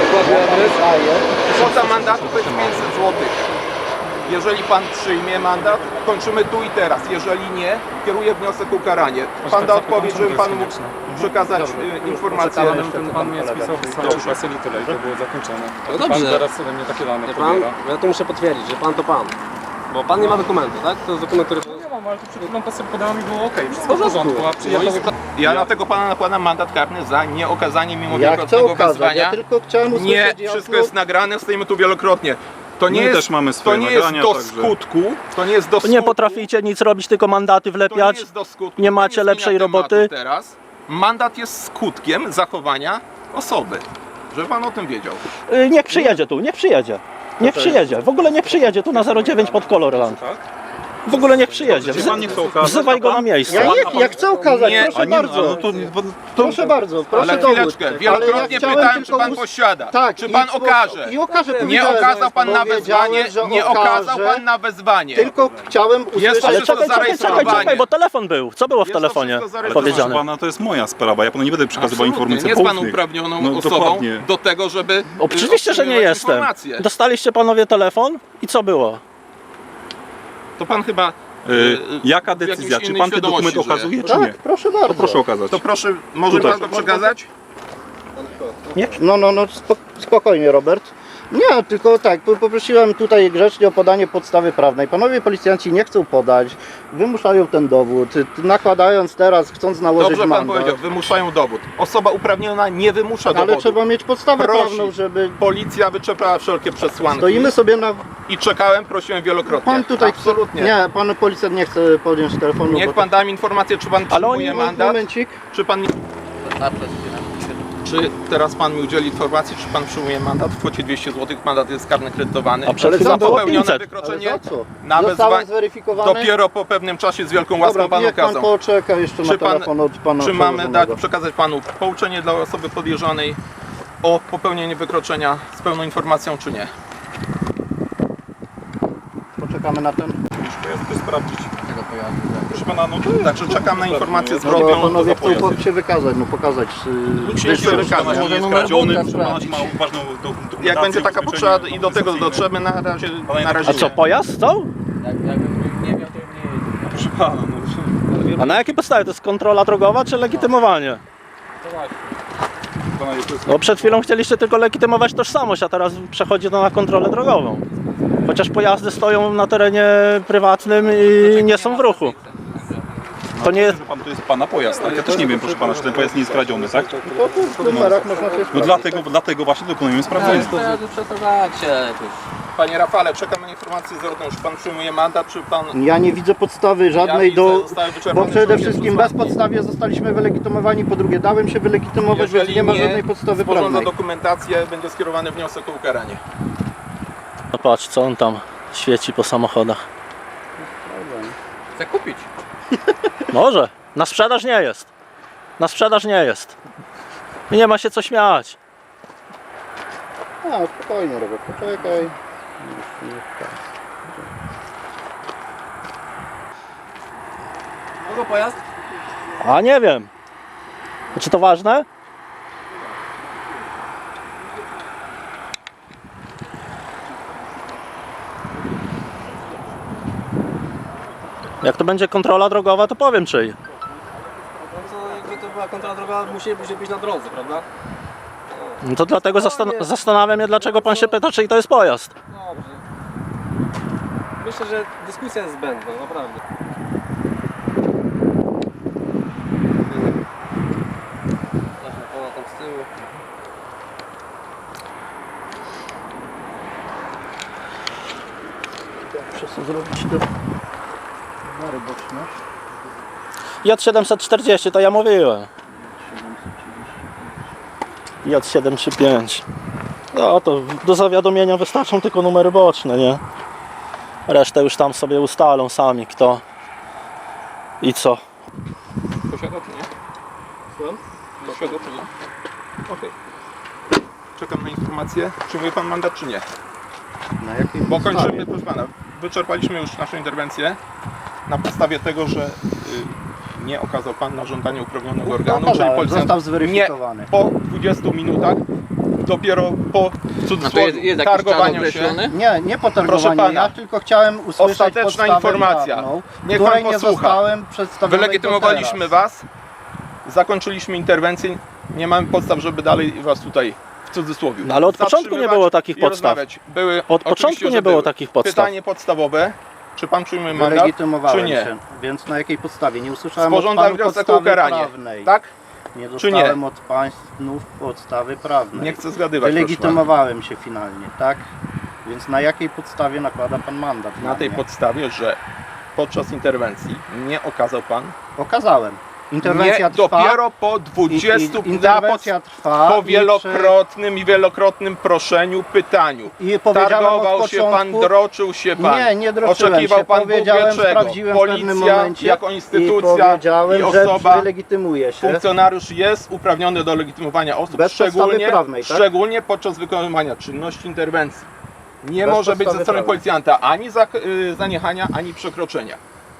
[SPEAKER 3] Kwota mandatu to jest 500 zł. Jeżeli pan przyjmie mandat, kończymy tu i teraz. Jeżeli nie, kieruję wniosek o ukaranie. Pan da odpowiedź, żebym panu mógł przekazać informację.
[SPEAKER 1] Pan mnie spisał w samym PESEL i tyle i to było zakończone.
[SPEAKER 6] No
[SPEAKER 1] Pan
[SPEAKER 6] dobrze.
[SPEAKER 1] teraz ode mnie takie dane
[SPEAKER 6] Wie pan,
[SPEAKER 1] pobiera.
[SPEAKER 6] ja to muszę potwierdzić, że pan to pan. Bo pan nie ma dokumentu, tak? To jest dokument, który...
[SPEAKER 1] Nie mam, ale to przed chwilą PESEL podała mi było okej, wszystko w porządku, a przyjechał...
[SPEAKER 3] Ja dlatego pana nakładam mandat karny za nieokazanie mimo
[SPEAKER 2] Ja chcę
[SPEAKER 3] wielokrotnego
[SPEAKER 2] okazać,
[SPEAKER 3] wezwania.
[SPEAKER 2] ja tylko chciałem usłyszeć
[SPEAKER 3] Nie,
[SPEAKER 2] jasno.
[SPEAKER 3] wszystko jest nagrane, stoimy tu wielokrotnie. To nie
[SPEAKER 5] My
[SPEAKER 3] jest,
[SPEAKER 5] też mamy
[SPEAKER 3] to
[SPEAKER 5] swoje
[SPEAKER 3] nie jest
[SPEAKER 5] nagrania,
[SPEAKER 3] do
[SPEAKER 5] także-
[SPEAKER 3] skutku, to nie jest do
[SPEAKER 4] To
[SPEAKER 3] skutku.
[SPEAKER 4] nie potraficie nic robić, tylko mandaty
[SPEAKER 3] To nie
[SPEAKER 4] wlepiać.
[SPEAKER 3] jest do skutku.
[SPEAKER 4] Nie
[SPEAKER 3] To
[SPEAKER 4] macie
[SPEAKER 3] zmienia
[SPEAKER 4] lepszej
[SPEAKER 3] tematu
[SPEAKER 4] roboty?
[SPEAKER 3] Teraz mandat jest skutkiem zachowania osoby. Żeby pan o tym wiedział.
[SPEAKER 4] Niech przyjedzie tu, niech przyjedzie. Niech przyjedzie. W ogóle nie przyjedzie tu na 09 pod Colorland. W ogóle niech przyjedzie.
[SPEAKER 5] Pan nie chce okazać,
[SPEAKER 4] Wzywaj go na
[SPEAKER 2] Ja,
[SPEAKER 4] miejsce.
[SPEAKER 2] ja chcę okazać,
[SPEAKER 3] Nie,
[SPEAKER 2] proszę
[SPEAKER 5] A nie,
[SPEAKER 2] bardzo.
[SPEAKER 5] no to,
[SPEAKER 2] Proszę bardzo, proszę
[SPEAKER 3] Ale
[SPEAKER 2] dowód.
[SPEAKER 3] chwileczkę,
[SPEAKER 2] Ale
[SPEAKER 3] wielokrotnie
[SPEAKER 2] chciałem
[SPEAKER 3] pytałem, czy
[SPEAKER 2] tylko
[SPEAKER 3] pan posiada.
[SPEAKER 2] Tak,
[SPEAKER 3] Czy pan okaże.
[SPEAKER 2] I okaże,
[SPEAKER 3] Nie
[SPEAKER 2] powiedziałem,
[SPEAKER 3] okazał pan na
[SPEAKER 2] powiedziałem,
[SPEAKER 3] wezwanie,
[SPEAKER 2] że
[SPEAKER 3] nie okazał
[SPEAKER 2] okaże,
[SPEAKER 3] pan na wezwanie.
[SPEAKER 2] Tylko chciałem usłyszeć...
[SPEAKER 4] Ale
[SPEAKER 3] wszystko
[SPEAKER 4] czekaj, bo telefon był. Co było w
[SPEAKER 3] Jest to
[SPEAKER 4] telefonie
[SPEAKER 3] wszystko zarejestrowane.
[SPEAKER 5] proszę
[SPEAKER 4] powiedziane?
[SPEAKER 5] pana, to jest moja sprawa, ja panu nie będę przekazywał
[SPEAKER 3] Absolutnie.
[SPEAKER 5] informacji
[SPEAKER 3] Nie jest pan
[SPEAKER 5] poufnych.
[SPEAKER 3] uprawnioną
[SPEAKER 5] No,
[SPEAKER 3] osobą
[SPEAKER 5] dokładnie.
[SPEAKER 3] do tego, żeby
[SPEAKER 4] Oczywiście, że nie
[SPEAKER 3] otrzymywać
[SPEAKER 4] jestem.
[SPEAKER 3] informacje.
[SPEAKER 4] Dostaliście panowie telefon i co było?
[SPEAKER 3] To pan chyba
[SPEAKER 5] Jaka
[SPEAKER 3] w jakiejś
[SPEAKER 5] decyzja? Czy
[SPEAKER 3] innej
[SPEAKER 5] pan ten
[SPEAKER 3] świadomości
[SPEAKER 5] dokument
[SPEAKER 3] żyje.
[SPEAKER 5] okazuje, czy nie?
[SPEAKER 2] Tak, proszę bardzo.
[SPEAKER 5] To proszę okazać.
[SPEAKER 3] To proszę, może
[SPEAKER 5] Tutaj.
[SPEAKER 3] pan to przekazać?
[SPEAKER 2] No, spokojnie, Robert. Nie, tylko tak, poprosiłem tutaj grzecznie o podanie podstawy prawnej. Panowie policjanci nie chcą podać, wymuszają ten dowód, nakładając teraz, chcąc nałożyć
[SPEAKER 3] Dobrze pan
[SPEAKER 2] mandat.
[SPEAKER 3] powiedział, wymuszają dowód. Osoba uprawniona nie wymusza
[SPEAKER 2] Ale
[SPEAKER 3] dowodu.
[SPEAKER 2] trzeba mieć podstawę
[SPEAKER 3] Prosi.
[SPEAKER 2] prawną, żeby...
[SPEAKER 3] Policja wyczerpała wszelkie przesłanki.
[SPEAKER 2] Stoimy sobie na...
[SPEAKER 3] I czekałem, prosiłem wielokrotnie.
[SPEAKER 2] Pan tutaj...
[SPEAKER 3] Absolutnie.
[SPEAKER 2] Nie, pan policjant nie chce podjąć telefonu.
[SPEAKER 3] Niech
[SPEAKER 2] bo
[SPEAKER 3] pan da mi informację, czy pan
[SPEAKER 4] Ale
[SPEAKER 3] przyjmuje
[SPEAKER 4] oni-
[SPEAKER 3] mandat,
[SPEAKER 2] Momencik.
[SPEAKER 3] czy pan nie... Czy teraz pan mi udzieli informacji, czy pan przyjmuje mandat w kwocie 200 zł? Mandat jest karny kredytowany.
[SPEAKER 4] A przed
[SPEAKER 2] Ale
[SPEAKER 4] chwilą
[SPEAKER 2] za
[SPEAKER 4] było
[SPEAKER 3] popełnione
[SPEAKER 4] 500.
[SPEAKER 2] Ale
[SPEAKER 3] wykroczenie
[SPEAKER 2] za co?
[SPEAKER 3] na
[SPEAKER 2] Zostałem
[SPEAKER 3] wezwanie.
[SPEAKER 2] zweryfikowany.
[SPEAKER 3] Dopiero po pewnym czasie z wielką łaską
[SPEAKER 2] Dobra,
[SPEAKER 3] pan
[SPEAKER 2] niech pan
[SPEAKER 3] okazał.
[SPEAKER 2] poczeka jeszcze
[SPEAKER 3] Czy
[SPEAKER 2] na
[SPEAKER 3] pan-
[SPEAKER 2] telefon od pana
[SPEAKER 3] Czy mamy
[SPEAKER 2] przełożonego.
[SPEAKER 3] przekazać panu pouczenie dla osoby podejrzanej o popełnienie wykroczenia z pełną informacją, czy nie?
[SPEAKER 2] Poczekamy na ten...
[SPEAKER 5] Ja chcę sprawdzić. Proszę pana, no to
[SPEAKER 3] Także czekam na informację
[SPEAKER 2] No bo
[SPEAKER 3] zwrotną.
[SPEAKER 2] panowie
[SPEAKER 5] za pojazd.
[SPEAKER 2] chcą się wykazać, no pokazać...
[SPEAKER 3] Nikt się nie chce
[SPEAKER 2] wyższy-
[SPEAKER 3] wykazać.
[SPEAKER 5] nie jest
[SPEAKER 2] numer
[SPEAKER 5] skradziony,
[SPEAKER 2] buta
[SPEAKER 5] proszę pana,
[SPEAKER 2] sprawdzić.
[SPEAKER 5] ma ważną dokumentację,
[SPEAKER 3] Jak będzie taka
[SPEAKER 5] ubezpieczenie
[SPEAKER 3] potrzeba i do tego dotrzemy, na razie
[SPEAKER 4] A co,
[SPEAKER 3] nie.
[SPEAKER 4] pojazd stał?
[SPEAKER 5] Proszę pana, no
[SPEAKER 4] A na jakiej podstawie? To jest kontrola drogowa czy legitymowanie?
[SPEAKER 5] pana jest...
[SPEAKER 4] No przed chwilą chcieliście tylko legitymować tożsamość, a teraz przechodzi to na kontrolę drogową. Chociaż pojazdy stoją na terenie prywatnym i nie są w ruchu. To nie jest...
[SPEAKER 5] Że pan to jest pana pojazd, tak? Ja też nie wiem, proszę pana, czy ten pojazd nie jest kradziony, tak?
[SPEAKER 2] To w numerach można się
[SPEAKER 5] No
[SPEAKER 2] sprawdzić.
[SPEAKER 5] dlatego właśnie dokonujemy sprawdzenia.
[SPEAKER 3] Panie Rafale, czekam na informację zwrotną. Czy pan przyjmuje mandat, czy pan...
[SPEAKER 2] Ja nie widzę podstawy żadnej
[SPEAKER 3] Ja
[SPEAKER 2] do...
[SPEAKER 3] widzę, zostały wyczerpane
[SPEAKER 2] Bo przede
[SPEAKER 3] wszelkie
[SPEAKER 2] wszystkim
[SPEAKER 3] przesłanki.
[SPEAKER 2] bezpodstawnie zostaliśmy wylegitymowani, po drugie dałem się wylegitymować, więc nie ma żadnej podstawy
[SPEAKER 3] sporządza
[SPEAKER 2] prawnej.
[SPEAKER 3] dokumentację, będzie skierowany wniosek o ukaranie.
[SPEAKER 4] No patrz, co on tam świeci po samochodach.
[SPEAKER 6] Chcę kupić.
[SPEAKER 4] Może. Na sprzedaż nie jest. Na sprzedaż nie jest. I nie ma się co śmiać.
[SPEAKER 2] A, spokojnie, Robert, poczekaj.
[SPEAKER 6] Kogo pojazd?
[SPEAKER 4] A nie wiem. Czy to ważne? Jak to będzie kontrola drogowa, to powiem czyj.
[SPEAKER 6] No to jakby to była kontrola drogowa, musielibyśmy być na drodze, prawda?
[SPEAKER 4] No to dlatego zastanawiam się, dlaczego pan się pyta, czyj to jest pojazd.
[SPEAKER 6] Dobrze. Myślę, że dyskusja jest zbędna, naprawdę. Zacznę pana tam z tyłu.
[SPEAKER 2] Muszę zrobić te numery boczne.
[SPEAKER 4] J740, to ja mówiłem. J735. No to do zawiadomienia wystarczą tylko numery boczne, nie? Resztę już tam sobie ustalą sami, kto I co?
[SPEAKER 3] Posiada czy nie?
[SPEAKER 6] Słucham?
[SPEAKER 3] Posiada czy nie? Okej. Czekam na informację. Przyjmuje pan mandat czy nie?
[SPEAKER 2] Na jakiej
[SPEAKER 3] Bo
[SPEAKER 2] podstawie?
[SPEAKER 3] kończymy, proszę pana. Wyczerpaliśmy już naszą interwencję na podstawie tego, że nie okazał pan na żądanie uprawnionego organu, czyli
[SPEAKER 2] Okazałem,
[SPEAKER 3] policjant
[SPEAKER 2] został zweryfikowany.
[SPEAKER 3] nie po 20 minutach, dopiero po
[SPEAKER 7] No to
[SPEAKER 3] cudzysłowie
[SPEAKER 7] jest jakiś czas
[SPEAKER 3] targowaniu się.
[SPEAKER 7] określony?
[SPEAKER 2] Nie
[SPEAKER 3] Proszę
[SPEAKER 2] potargowanie,
[SPEAKER 3] pana,
[SPEAKER 2] ja tylko chciałem usłyszeć
[SPEAKER 3] ostateczna
[SPEAKER 2] podstawę
[SPEAKER 3] informacja.
[SPEAKER 2] prawną,
[SPEAKER 3] Niech
[SPEAKER 2] której
[SPEAKER 3] pan
[SPEAKER 2] nie
[SPEAKER 3] posłucha.
[SPEAKER 2] zostałem przedstawiony
[SPEAKER 3] Wylegitymowaliśmy
[SPEAKER 2] do teraz.
[SPEAKER 3] was, zakończyliśmy interwencję, nie mamy podstaw, żeby dalej was tutaj w cudzysłowie
[SPEAKER 4] No ale od początku nie
[SPEAKER 3] zatrzymywać
[SPEAKER 4] było takich
[SPEAKER 3] i
[SPEAKER 4] podstaw.
[SPEAKER 3] rozmawiać. Były,
[SPEAKER 4] Od
[SPEAKER 3] oczywiście,
[SPEAKER 4] początku
[SPEAKER 3] że
[SPEAKER 4] nie było
[SPEAKER 3] były.
[SPEAKER 4] takich podstaw.
[SPEAKER 3] Pytanie podstawowe, czy pan przyjmuje mandat, czy
[SPEAKER 2] Wylegitymowałem
[SPEAKER 3] nie?
[SPEAKER 2] się, więc na jakiej podstawie? Nie usłyszałem
[SPEAKER 3] Sporządza
[SPEAKER 2] od panu
[SPEAKER 3] wniosek o
[SPEAKER 2] podstawy
[SPEAKER 3] ukaranie,
[SPEAKER 2] prawnej.
[SPEAKER 3] tak?
[SPEAKER 2] Nie
[SPEAKER 3] czy nie?
[SPEAKER 2] dostałem od państw podstawy prawnej.
[SPEAKER 3] Nie chcę zgadywać, proszę
[SPEAKER 2] Wylegitymowałem się finalnie, tak? Więc na jakiej podstawie nakłada pan mandat?
[SPEAKER 3] pana. Na tej
[SPEAKER 2] mnie?
[SPEAKER 3] podstawie, że podczas interwencji nie okazał pan,
[SPEAKER 2] Okazałem. Interwencja
[SPEAKER 3] nie,
[SPEAKER 2] trwa.
[SPEAKER 3] dopiero po 20
[SPEAKER 2] interwencja trwa.
[SPEAKER 3] po wielokrotnym proszeniu, pytaniu.
[SPEAKER 2] I powiedziałem
[SPEAKER 3] Targował
[SPEAKER 2] od
[SPEAKER 3] się pan,
[SPEAKER 2] początku,
[SPEAKER 3] droczył się pan.
[SPEAKER 2] Nie droczyłem
[SPEAKER 3] Oczekiwał
[SPEAKER 2] się.
[SPEAKER 3] pan Bóg wie
[SPEAKER 2] Powiedziałem,
[SPEAKER 3] czego.
[SPEAKER 2] sprawdziłem w pewnym
[SPEAKER 3] Policja
[SPEAKER 2] momencie
[SPEAKER 3] jako
[SPEAKER 2] i
[SPEAKER 3] instytucja
[SPEAKER 2] powiedziałem,
[SPEAKER 3] i
[SPEAKER 2] że
[SPEAKER 3] osoba,
[SPEAKER 2] wylegitymuje się.
[SPEAKER 3] funkcjonariusz jest uprawniony do legitymowania osób,
[SPEAKER 2] Bez podstawy prawnej, tak?
[SPEAKER 3] szczególnie podczas wykonywania czynności interwencji. Nie
[SPEAKER 2] Bez
[SPEAKER 3] może być ze
[SPEAKER 2] podstawy
[SPEAKER 3] strony
[SPEAKER 2] prawnej.
[SPEAKER 3] policjanta ani zaniechania, ani przekroczenia.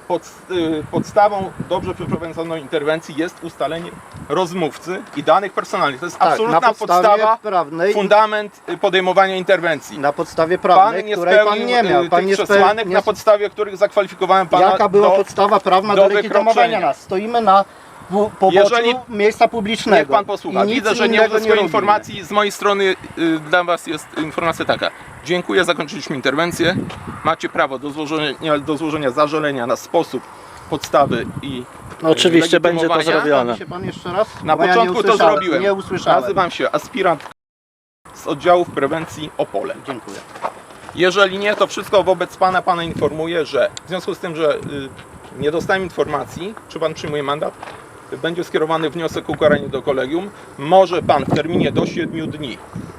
[SPEAKER 3] Podstawą dobrze przeprowadzonej interwencji jest ustalenie rozmówcy i danych personalnych. To jest
[SPEAKER 2] Tak,
[SPEAKER 3] absolutna
[SPEAKER 2] na podstawie
[SPEAKER 3] podstawa,
[SPEAKER 2] prawnej,
[SPEAKER 3] fundament podejmowania interwencji.
[SPEAKER 2] na podstawie
[SPEAKER 3] Pan
[SPEAKER 2] prawnej,
[SPEAKER 3] nie
[SPEAKER 2] której pan
[SPEAKER 3] spełnił
[SPEAKER 2] nie miał. Pan
[SPEAKER 3] tych
[SPEAKER 2] nie
[SPEAKER 3] przesłanek,
[SPEAKER 2] nie
[SPEAKER 3] na podstawie których zakwalifikowałem pana
[SPEAKER 2] Jaka była
[SPEAKER 3] do...
[SPEAKER 2] podstawa prawna
[SPEAKER 3] do
[SPEAKER 2] do legitymowania
[SPEAKER 3] wykroczenia.
[SPEAKER 2] nas? Stoimy na poboczu
[SPEAKER 3] Jeżeli-
[SPEAKER 2] miejsca publicznego.
[SPEAKER 3] Niech pan posłucha.
[SPEAKER 2] I nic
[SPEAKER 3] Widzę, że nie
[SPEAKER 2] innego
[SPEAKER 3] uzyskuje
[SPEAKER 2] robimy.
[SPEAKER 3] informacji. Z mojej strony dla was jest informacja taka. Dziękuję, zakończyliśmy interwencję. Macie prawo do złożenia zażalenia na sposób podstawy i
[SPEAKER 4] No, oczywiście będzie to
[SPEAKER 3] legitymowania.
[SPEAKER 4] zrobione.
[SPEAKER 2] Przedstawi się pan jeszcze raz?
[SPEAKER 3] Na
[SPEAKER 2] Bo ja
[SPEAKER 3] początku
[SPEAKER 2] nie
[SPEAKER 3] to
[SPEAKER 2] usłyszałem,
[SPEAKER 3] zrobiłem.
[SPEAKER 2] Nie usłyszałem.
[SPEAKER 3] Nazywam się aspirant z oddziałów prewencji Opole.
[SPEAKER 2] Dziękuję.
[SPEAKER 3] Jeżeli nie, to wszystko wobec pana informuję, że w związku z tym, że nie dostałem informacji, czy pan przyjmuje mandat, będzie skierowany wniosek o ukaranie do kolegium. Może pan w terminie do 7 dni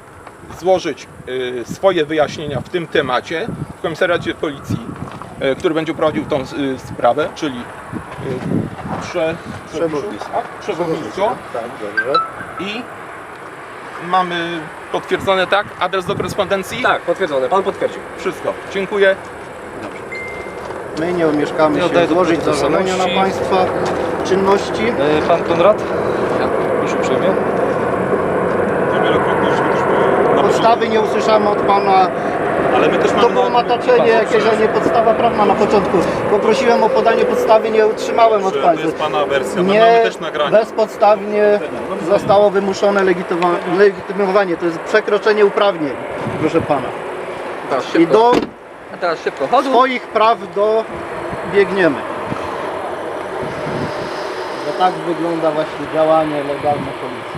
[SPEAKER 3] złożyć swoje wyjaśnienia w tym temacie w komisariacie policji, który będzie prowadził tą sprawę, czyli przewodnictwo.
[SPEAKER 2] Tak, dobrze.
[SPEAKER 3] I mamy potwierdzone, tak? Adres do korespondencji?
[SPEAKER 6] Tak, potwierdzone. Pan potwierdził.
[SPEAKER 3] Wszystko. Dziękuję.
[SPEAKER 2] My nie omieszkamy
[SPEAKER 6] Nie
[SPEAKER 2] się
[SPEAKER 6] oddaję
[SPEAKER 2] złożyć
[SPEAKER 6] do
[SPEAKER 2] zażalenia na
[SPEAKER 6] tożsamości.
[SPEAKER 2] państwa czynności.
[SPEAKER 6] Pan Konrad? Już uprzejmie.
[SPEAKER 5] Wielokrotnie żeśmy też na
[SPEAKER 2] Podstawy nie usłyszałem od pana.
[SPEAKER 5] ale my też
[SPEAKER 2] To
[SPEAKER 5] mamy
[SPEAKER 2] było
[SPEAKER 5] na-
[SPEAKER 2] mataczenie jakieś, a nie podstawa prawna na początku. Poprosiłem o podanie podstawy, nie otrzymałem od
[SPEAKER 5] że to
[SPEAKER 2] państwa.
[SPEAKER 5] jest pana wersja, my
[SPEAKER 2] Nie,
[SPEAKER 5] mamy też nagranie.
[SPEAKER 2] bezpodstawnie zostało wymuszone legitymowanie. To jest przekroczenie uprawnień, proszę pana.
[SPEAKER 7] Teraz
[SPEAKER 2] I
[SPEAKER 7] szybko.
[SPEAKER 2] do
[SPEAKER 7] A teraz szybko. Chodu.
[SPEAKER 2] swoich praw dobiegniemy. Że tak wygląda właśnie działanie legalne policji.